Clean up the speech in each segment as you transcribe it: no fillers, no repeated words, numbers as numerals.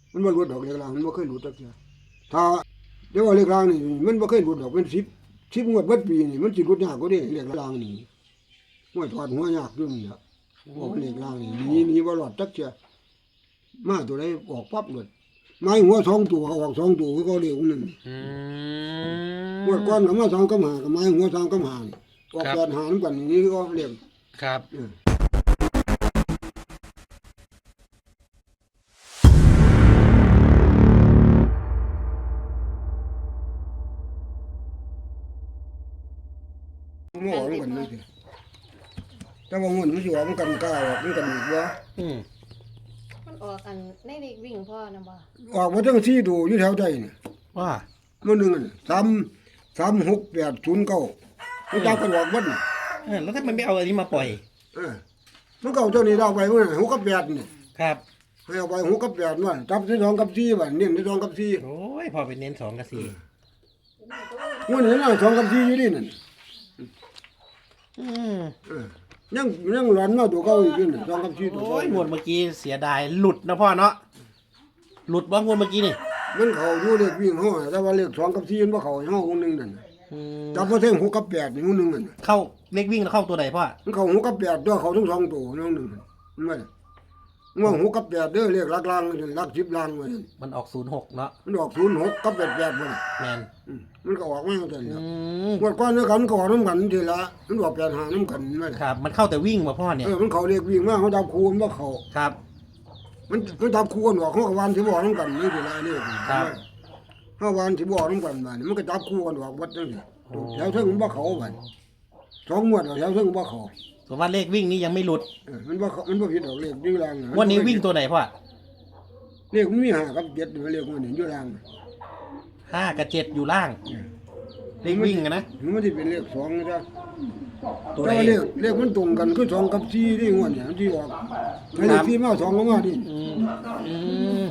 มันบ่หลุดดอกเลขล่างมันบ่เคยหลุดจักเทื่อถ้าเดี๋ยวว่าเลขล่างนี่มันบ่เคยหลุดดอกเป็น10งวดเบิดปีนี่มันสิหลุดยากกว่าเด้เลขล่างนี่ห้วยถอดหัวยากอยู่นี่ล่ะบอกเลขล่างนี่หนีบ่รอดจักเทื่อมาตัวใดออกปั๊บเลยไม้หัว2ตัวออก2ตัวคือก็เลขนึงงวดก่อนก็มา2กับ5ก็ไม้หัว2กับ5นี่ออก8 5นำกันนี่ก็เลขครับมันออกนำกันนี่สิแต่ว่ามันสิออกนำกันกล้าออกนำกันอีกว่ามันออกอันในเด็กวิ่งพ่อนะบ่ออกมาตั้ง4ตัวอยู่แถวใจนี่ว่ามื้อนึงน่ะ36809มันจับกันออกเบิดน่ะแล้วถ้ามันไม่เอาอันนี้มาปล่อยมันก็เอาเจ้านี่เอาไปมื้อนั้น6กับ8นี่ครับให้เอาไป6กับ8นั่นจับที่2กับ4บัดเน้นที่2กับ4 โอ้ยพอไปเน้น2กับ4 มื้อนี้น่ะ2กับ4อยู่นี่นั่นอืมเออยังหลอนมาตัวเก่าอีกอยู่นี่2กับ4ตัวโอ้เก่ายงวดเมื่อกี้เสียดายหลุดนะพ่อเนาะหลุดบ้างงวดเมื่อกี้นี่มันเข้าอยู่เลขวิ่งเฮาแต่ว่าเลข2กับ4มันบ่เข้าให้เฮาคนนึงนั่นน่ะอืมจับมาถึง6กับ8นี่คนนึงนั่นน่ะเข้าเลขวิ่งแล้วเข้าตัวไหนพ่อมันเข้า6กับ8ตัวเข้าทั้ง2ตัวน้องนึงมันว่าว่า6กับ8เด้อเลขหลักล่างหลัก10ล่างว่าซั่นมันออก06เนาะมันออก06กับ88บ่น่ะแมนมันก็ออกมาจังอืซั่นมงวดก่อนเนี่ยกันก็ออกน้ำกันทีละมันออก85น้ำกันนั่นแหละครับมันเข้าแต่วิ่งมาพ่อเนี่ยมันเขาเรียกวิ่งมาเขาจับคู่มันบ่เขาครับมันจับคู่กันออกเขาก็วานสิบ่ออกน้ำกันนี่ทีละนี่ครับเขาวานสิบ่ออกน้ำกันบัดนี้มันก็จับคู่กันออกวัดจังซี่แถวเทิงมันบ่เขาบัด2งวดแล้วแถวเทิงบ่เขาส่วนว่าเลขวิ่งนี้ยังไม่หลุดมันบ่เขามันบ่ผิดดอกเลขอยู่ล่างวันนี้วิ่งตัวไหนพ่อเลขมันมี5กับ7เลขมันนี่อยู่ล่าง 5กับ7อยู่ล่างเลขวิ่งอะนะมันสิเป็นเลข2นะจ๊ะตัวแต่ไหนว่าเลขมันตรงกันคือ2กับ4นี่งวดเนี่ยที่ออกให้เลข4มา2ก็มาดิอืมอืม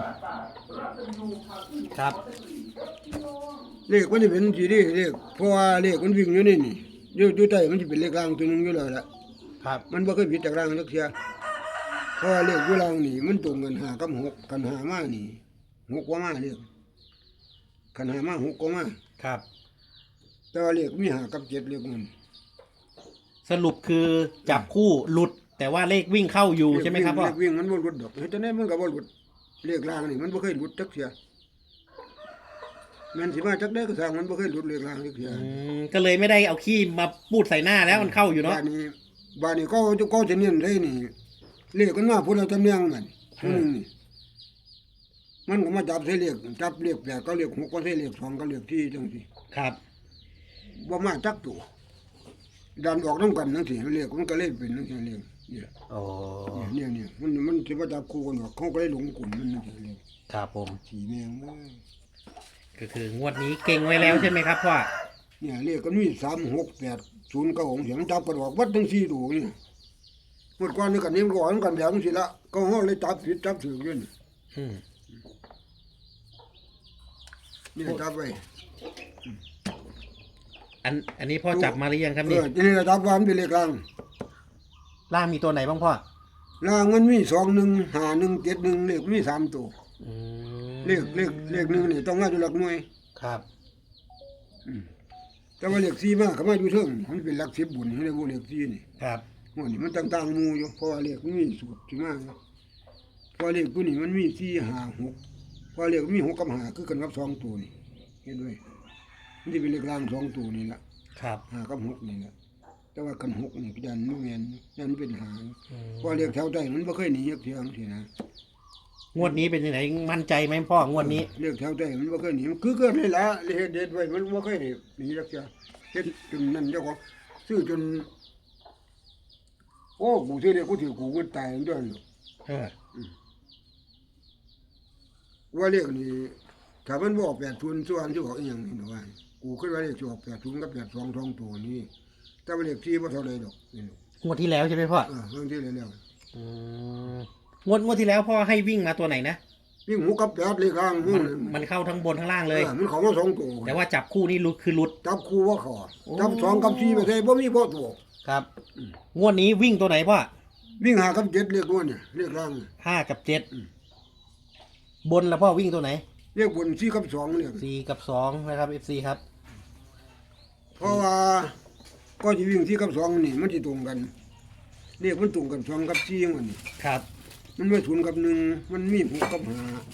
ครับเลขมันจะเป็นสีนี้เลขเพราะว่าเลขมันวิ่งอยู่นี่นี่อยู่ใต้มันจะเป็นเลขล่างตัวหนึงอยู่แล้วล่ะครับมันบ่เคยผิดจากล่างจักเที่ยเพราะว่าเลขอยู่ล่างนี่มันตรงกัน5กับ6กัน5มานี่6กว่ามาเลขกัน5มา6กว่ามาครับแต่ว่าเลขมี5กับ7เลขมันสรุปคือจับคู่หลุด แต่ว่าเลขวิ่งเข้าอยู่ใช่ไหมครับพ่อเลขวิ่งมันบ่หลุดดอกเฮ็ดจังได๋มันก็บ่หลุดเลขล่างนี่มันบ่เคยหลุดจักเที่ยแม่นสิมาจักได้ก็สร้างมันบ่เคยหลุดเลขล่างจักเที่ยก็เลยไม่ได้เอาขี้มาปูดใส่หน้าแล้วมันเข้าอยู่เนาะบ้านนี้ก็จะเน้นเลยนี่เลขกันมาพูดเราจำเนียงมันนี่มันก็มาจับใส่เลขจับเลข8ก็เลข6ก็ใส่เลข2ก็เลข4จังซี่ครับบ่มาจักตัวดันออกนำกันจังซี่เลขมันก็เลยเป็นจังซี่เลขเนี่ยโอ้เนี่ยมันสิมาจับคู่กันออกเขาก็เลยหลงกลุ่มมันจังซี่เลขครับผมสีแมงเอ้ยก็คืองวดนี้เก่งไว้แล้วใช่ไหมครับพ่อเนี่ยเลขก็มี3 6 8 0 9ของเสียงจับกันออกวัดทั้ง4ตัวนี่หมดก่อนนี่กันนี่มันก็ออกนำกันแบบจังซี่ละก็เฮาเลยจับผิดจับถูกอยู่นี่อืมนี่จับไว้อันนี้พ่อจับมาหรือยังครับนี่นี่จับวานเป็นเลขล่างล่างมีตัวไหนบ้างพ่อล่างมันมี21 51 71เลขมี3ตัวอืมเลขหนึ่งนี่ต้องมาอยู่หลักหน่วยครับแต่ว่าเลข4มาก็มาอยู่เทิงมันเป็นหลัก10บุญให้ได้บ่เลข4นี่ครับโอ้นี่มันต่างๆหมู่อยู่เพราะว่าเลขมันมีสูตรที่มาอยู่เพราะเลขตัวนี้มันมี4 5 6เพราะเลขมันมี6กับ5คือกันกับ2ตัวนี่เห็นด้วยมันสิเป็นเลขล่าง2ตัวนี่ล่ะครับ 5กับ6นี่ล่ะแต่ว่ากัน6นี่ก็ยันบ่แม่นยันเป็น5 อืมเพราะเลขแถวใต้มันบ่เคยหนีจักเที่ยจังซี่นะงวดนี้เป็นยังไงมั่นใจไหมพ่องวดนี้เลขแถวใต้มันบ่เคยหนีมันคือเกิดเลยล่ะเลขเด็ดไว้มันบ่เคยหนีจักเที่ยเฮ็ดจนนั่นเจ้าของซื้อจนโอ้กูซื้อเลขกูถือกูก็ตายจังด้วยเออว่าเลขนี่ถ้ามันบ่ออก80ส่วนสิออกอีหยังนี่ว่ากูคิดว่าเลขสิออก80กับ82สองตัวนี้แต่ว่าเลข4บ่เท่าใดดอกนี่งวดที่แล้วใช่ไหมพ่อเรื่องที่แล้วอืมงวดที่แล้วพ่อให้วิ่งมาตัวไหนนะวิ่ง6กับ8เลขข้างมันเข้าทั้งบนทั้งล่างเลยมันเข้ามาสองตัวแต่ว่าจับคู่นี่หลุดคือหลุดจับคู่ว่าเขาโอ้จับ2กับ4ไปใส่บ่มีบ่ตัวครับ งวดนี้วิ่งตัวไหนพ่อวิ่ง5กับ7เลขตัวเนี่ยเลขข้าง 5 กับ 7 บนแล้วพ่อวิ่งตัวไหนเรียกบน4กับ2เนี่ย 4 กับ 2นะครับ FC ครับเพราะว่าก็สิวิ่ง4กับ2นี่มันสิตรงกันเรียกมันตรงกัน2กับ4มันนี่ครับมันไม่0กับ1มันมี6กับ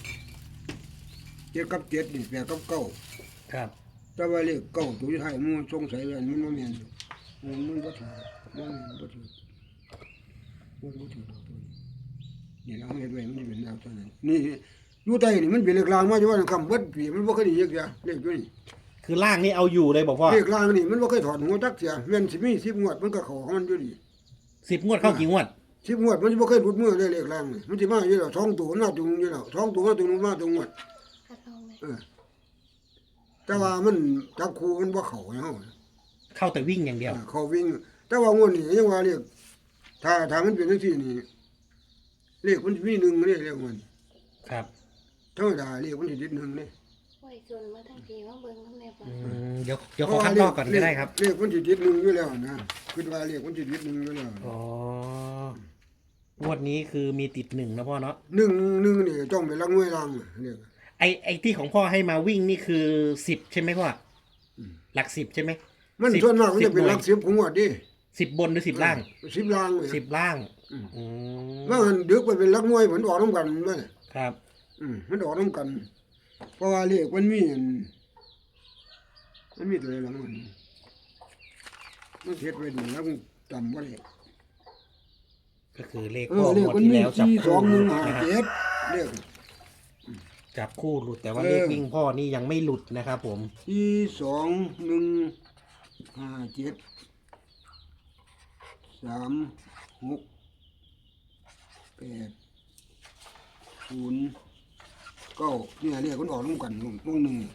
5 7กับ7นี่8กับ9 ครับแต่ว่าเลขเก้าตัวที่ไทายมันสงสัยว่ามันบ่แม่นมันบ่ถูกมันบ่ถูกมันบ่ถูกนี่เราเฮ็ดไว้มันเป็นแนวเท่านั้นนี่อยู่ใต้นี่มันเป็นเลขลางมาอยู่ว่าคำเบิดปีมันบ่เคยได้เยอะแยะเลขอยู่นี่คือล่างนี่เอาอยู่เลยบอกพ่อเลขลางนี่มันบ่เคยถอดหัวจักเสียแม่นสิมี10งวดมันก็เข้าของมันอยู่ดี 10 งวดเข้ากี่งวด 10งวดมันสิบ่เคยหลุดมือเลยเลขลางนี่มันสิมาอยู่แล้ว2ตัวมันมาตรงอยู่แล้ว2ตัวมาตรงนู้นมาตรงงวดถ้าเข้าไหมแต่ว่ามันจับคู่มันบ่เข้าให้เฮาเข้าแต่วิ่งอย่างเดียวเขาวิ่ง แต่ว่างวดนี้ยังว่าเรียกถ้ามันเป็นจังซี่นี่เลขมันสิมี1เรียกมันครับธรรมดาเลขมันสิติด1นี่โอ้ยชวนมาทั้งทีมาเบิ่งน้ำแน่ปะเดี๋ยวขอคัดลอกก่อนก็ได้ครับเลขมันสิติด1อยู่แล้วนะคิดว่าเลขมันสิติด1อยู่แล้วอ๋อ งวดนี้คือมีติด1นะพ่อเนาะ 1นี่ต้องเป็นหลักหน่วยรางเลขไอที่ของพ่อให้มาวิ่งนี่คือ10ใช่ไหมพ่อหลัก10ใช่ไหมมัน 10 ส่วนมากมันจะเป็นหลักหน่วย 10ของงวดดิ 10 บนหรือ10 ล่าง 10ล่างเลย 10 ล่าง อืมว่ามันดึกไปเป็นหลักหน่วยผลออกนํกันมั้ยครับมันออกนํกัน เพราะว่าเลขมันมีตัวอะไรล่ะมันเฮ็ดไว้ดีแล้วมันจำบ่ได้ก็คือเลขเอพ่ออเลงขวดมันที่มีแล้วจับ 4 คู่ 2 1 นะ 5 ครับ 7เลขจับคู่หลุดแต่ว่าเออเลขวิ่งพ่อนี่ยังไม่หลุดนะครับผม 4 2 1 5 7 3 6 8 0 9เนี่ยเลขมันออกนํกันวงหนึง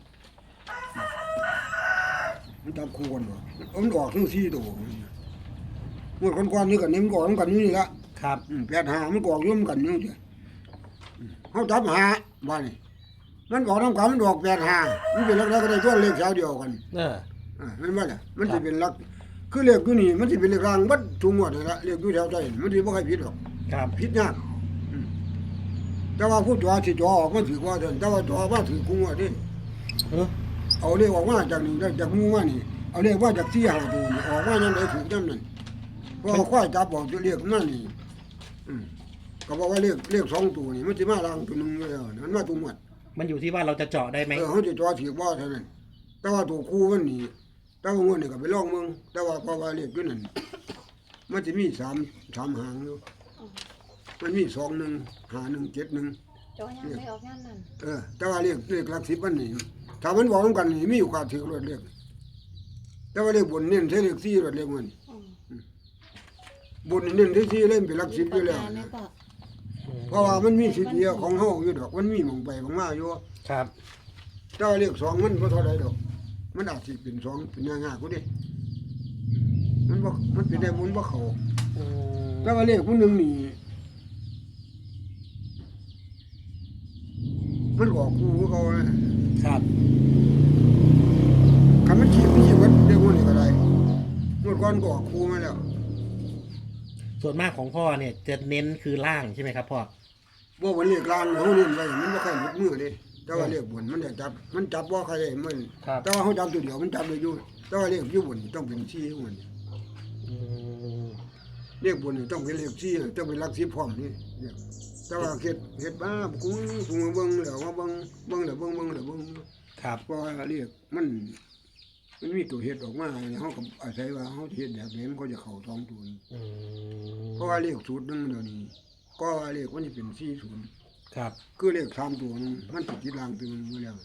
มันจับคู่กันบ่มันออกทั้ง4ตัวงวดก่อนๆนี่ก็นี่มันออกนํกันอยู่นี่ละครับ 85มันก็ออกอยู่นํกันอยู่จ้ะเฮาจับหาว่านี่มันออกนํกันมันออก85มันเป็นลักษณะก็ได้ตัวเลขแถวเดียวกัน แม่นบ่ล่ะมันสิเป็นลักคือเลขอยู่นี่มันสิเป็นเลขรางบัดทุกงวดนั่นล่ะเลขอยู่แถวใต้มันสิบ่ค่อยผิดหรอกครับผิดยากแต่ว่าผู้ตัวสิตัวออกมันถือว่าเดินแต่ว่าตัวว่าถือกูงวดนี่เออเอาเลขออกมาจากนี่ได้จากหมู่มานี่เอาเลขว่าจาก4 5ตัวนี่ออกมายามใดถูกยามนั้นเพราะควายจับออกจะเลขมานี่ก็บอกว่าเลข2ตัวนี่มันสิมารางตัวหนึงอยู่แล้วมันมาตัวหมดมันอยู่ที่ว่าเราจะเจาะได้ไหมเฮาสิตัวถือว่าเท่านั้นแต่ว่าตัวคู่มันนี่แต่ว่างวดนี่ก็ไปลองเบิ่งแต่ว่าเพราะว่าเลขอยู่นั่นมันสิมี3หางอยู่มันมี2 1 5 1 7 1 จอยังไม่ออกงานนั่นแต่ว่าเลขหลัก10มันนี่ถ้ามันบอกนํกันนี่มีโอกาสถือรถเลขแต่ว่าเลขบนเน้นใช้เลข4รถเลขมันอืมบนนี่เน้นที่4เล่นเป็นหลัก10อยู่แล้วปากกาไหมนะพ่อเพราะว่ามันมีสิทธิ์เดียวของเฮาอยู่ดอกมันมีหม่องไปหม่องมาอยู่ครับแต่ว่าเลข2มันบ่เท่าใดดอกมันอาจสิเป็น2เป็นง่ายๆกูดิมันเป็นได้บุญบ่เข้าอืมแต่ว่าเลขผู้หนึงนี่มันออกคู่ของเขานะครับ คันมันขี้วัดเรื่องพวกนี้ก็ได้งวดก่อนก็ออกคู่มาแล้วส่วนมากของพ่อเนี่ยจะเน้นคือล่างใช่ไหมครับพ่อว่าวันเลขกลางเขาเน้นไว้มันบ่ค่อยหลุดมือเด้แต่ว่าเลขบนมันจะจับมันจับบ่ค่อยได้มันครับแต่ว่าเขาจับตัวเดียวมันจับได้อยู่แต่ว่าเลขอยู่บนนี่ต้องเป็น4ของมันอืมเลขบนนี่ต้องเป็นเลข4ต้องเป็นหลัก10พร้อมนี่เนี่ยแต่ว่าเฮ็ดบ้ากูมาเบิ่งแล้วมาเบิ่งแล้วเบิ่งแล้วเบิ่งครับเพราะว่าเลขมันมีตัวเฮ็ดออกมาเฮาก็อาศัยว่าเฮาเฮ็ดแบบนี้มันก็จะเข้า2ตัวนี่อืมเพราะว่าเลขสูตรหนึงเดี๋ยวนี้ก็ว่าเลขมันจะเป็น40 ครับคือเลข3ตัวนึงมันติดที่รางตัวนึงอยู่แล้ว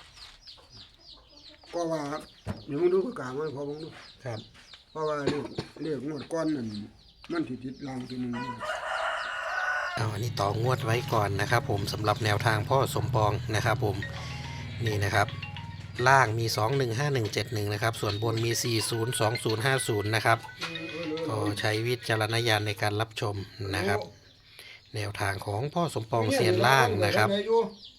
ก็ว่าเดี๋ยวมึงดูกลางมันพอมึงดูครับเพราะว่าเลขงวดก้อนนั่นมันติดรางตัวนึงเอาอันนี้ต่องวดไว้ก่อนนะครับผมสำหรับแนวทางพ่อสมปองนะครับผมนี่นะครับล่างมี 215171นะครับส่วนบนมี 402050นะครับก็ใช้วิจารณญาณในการรับชมนะครับแนวทางของพ่อสมปองเซียนล่างนะครับโอ้